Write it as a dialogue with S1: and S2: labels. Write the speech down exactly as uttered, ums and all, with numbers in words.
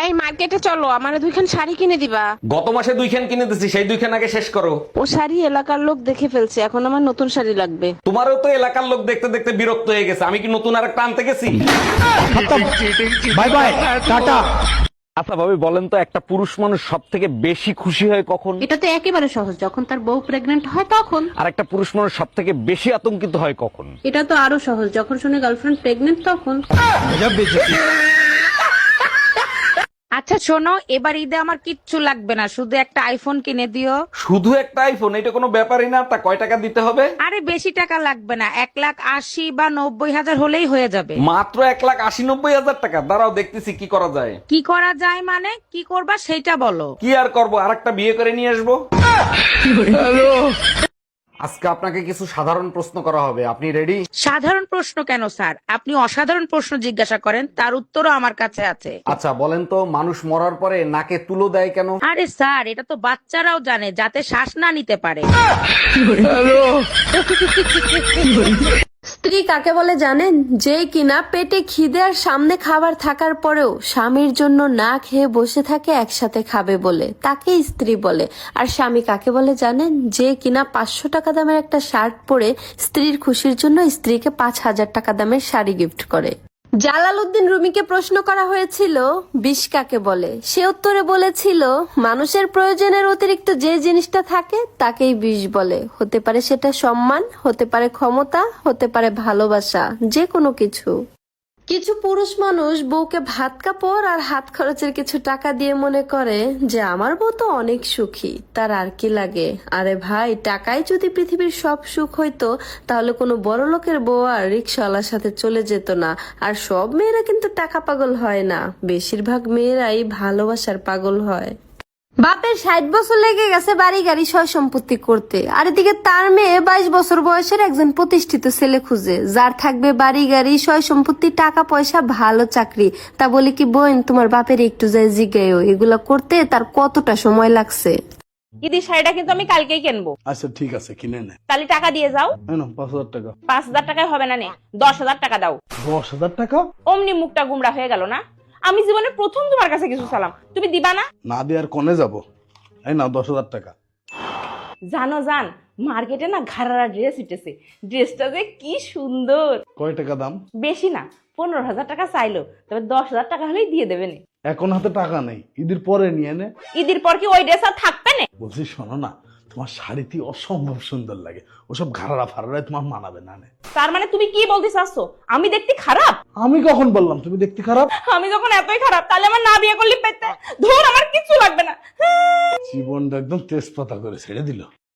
S1: এই মার্কেটে চলো, আমারে দুইখান শাড়ি কিনে দিবা।
S2: গত মাসে দুইখান কিনে দিছি, সেই দুইখান আগে শেষ করো।
S1: ও শাড়ি এলাকার লোক দেখে ফেলছে, এখন আমার নতুন শাড়ি লাগবে।
S2: তোমারও তো এলাকার লোক দেখতে দেখতে বিরক্ত হয়ে গেছে, আমি কি নতুন আর একটা আনতে গেছি?
S3: Bye bye tata.
S2: আচ্ছা ভাবি বলেন তো, একটা পুরুষ মানুষ সব থেকে বেশি খুশি হয় কখন?
S4: এটা তো একেবারে সহজ, যখন তার বউ প্রেগনেন্ট হয় তখন।
S2: আর একটা পুরুষ মানুষ সব থেকে বেশি আতঙ্কিত হয় কখন?
S4: এটা তো আরো সহজ, যখন শুনে গার্লফ্রেন্ড প্রেগনেন্ট তখন।
S5: আচ্ছা শোনো, এবার ঈদে আমার কিচ্ছু লাগবে না, শুধু একটা আইফোন কিনে দিও।
S2: শুধু একটা আইফোন? এটা কোনো ব্যাপারই না। তা কয় টাকা দিতে হবে?
S5: আরে বেশি টাকা লাগবে না, এক লাখ আশি বা নব্বই হাজার হলেই হয়ে যাবে।
S2: মাত্র এক লাখ আশি নব্বই হাজার টাকা? দাঁড়াও দেখতেছি কি করা যায়।
S5: কি করা যায় মানে? কি করবা সেইটা বলো।
S2: কি আর করবো, আর একটা বিয়ে করে নিয়ে আসবো। আজকে আপনাকে কিছু সাধারণ প্রশ্ন করা হবে, আপনি রেডি?
S5: সাধারণ প্রশ্ন কেন স্যার? আপনি অসাধারণ প্রশ্ন জিজ্ঞাসা করেন, তার উত্তরও আমার কাছে আছে।
S2: আচ্ছা বলেন তো, মানুষ মরার পরে নাকে তুলো দেয় কেন?
S5: আরে স্যার, এটা তো বাচ্চারাও জানে, যাতে শ্বাস না নিতে পারে।
S6: স্ত্রী কাকে বলে জানেন? যে কিনা পেটে খিদে আর সামনে খাবার থাকার পরেও স্বামীর জন্য না খেয়ে বসে থাকে একসাথে খাবে বলে, তাকে স্ত্রী বলে। আর স্বামী কাকে বলে জানেন? যে কিনা পাঁচশো টাকা দামের একটা শার্ট পরে স্ত্রীর খুশির জন্য স্ত্রীকে পাঁচ হাজার টাকা দামের শাড়ি গিফট করে। জালালউদ্দিন রুমিকে প্রশ্ন করা হয়েছিল বিষ কাকে বলে, সে উত্তরে বলেছিল মানুষের প্রয়োজনের অতিরিক্ত যে জিনিসটা থাকে তাকেই বিষ বলে। হতে পারে সেটা সম্মান, হতে পারে ক্ষমতা, হতে পারে ভালোবাসা, যে কোনো কিছু। কিছু পুরুষ মানুষ বউকে ভাত কাপড় আর হাত খরচের কিছু টাকা দিয়ে মনে করে যে আমার বউ তো অনেক সুখী, তার আর কি লাগে। আরে ভাই, টাকায় যদি পৃথিবীর সব সুখ হইতো তাহলে কোনো বড় লোকের বউ আর রিক্সাওয়ালার সাথে চলে যেত না। আর সব মেয়েরা কিন্তু টাকা পাগল হয় না, বেশিরভাগ মেয়েরাই ভালোবাসার পাগল হয়। বাপের ষাট বছর লেগে গেছে বাড়ি গাড়ি সয় সম্পত্তি করতে, আর এদিকে তার মেয়ে বাইশ বছর বয়সের একজন প্রতিষ্ঠিত ছেলে খুঁজে, যার থাকবে বাড়ি গাড়ি সয় সম্পত্তি, টাকা পয়সা, ভালো চাকরি। তা বলি কি বোন, তোমার বাপের একটু যায় জিজ্ঞাসা এগুলা করতে তার কতটা সময় লাগছে।
S7: ঈদের শাড়িটা কিন্তু আমি কালকেই কিনবো।
S3: আচ্ছা ঠিক আছে, কিনে নে।
S7: তাহলে টাকা দিয়ে যাও।
S3: এনো পাঁচ হাজার টাকা।
S7: পাঁচ হাজার টাকায় হবে না, নে দশ হাজার টাকা দাও।
S3: দশ হাজার টাকা?
S7: অমনি মুখটা গুমরা হয়ে গেল না? আমি জীবনে প্রথম তোমার কাছে কিছু চালাম, তুমি দিবা না?
S3: না দিয়ে আর কোনে যাবো? এই না দশ হাজার টাকা।
S7: জানো জান, মার্কেটে না ঘাড়ারা ড্রেস উঠেছে, ড্রেসটা যে কি সুন্দর।
S3: কয় টাকা দাম?
S7: বেশি না, পনেরো হাজার টাকা চাইলো, তবে দশ হাজার টাকা হলেই দিয়ে দেবে নে।
S3: এখন হাতে টাকা নেই, ঈদের পরে নিয়ে নে।
S7: ঈদের পর কি ওই ড্রেস আর থাকবে না?
S3: বলছি শোনো না, তোমার শাড়িটি অসম্ভব সুন্দর লাগে, ওসব ঘাড়া ফাড়ায় তোমার মানাবে না। নে।
S7: তার মানে তুমি কি বলতে চাচ্ছো, আমি দেখতে খারাপ?
S3: আমি কখন বললাম তুমি দেখতে খারাপ?
S7: আমি যখন এতই খারাপ, তাহলে আমার না বিয়ে করলে পেতে ধর, আমার কিছু লাগবে না।
S3: জীবনটা একদম তেজপাতা করে ছেড়ে দিল।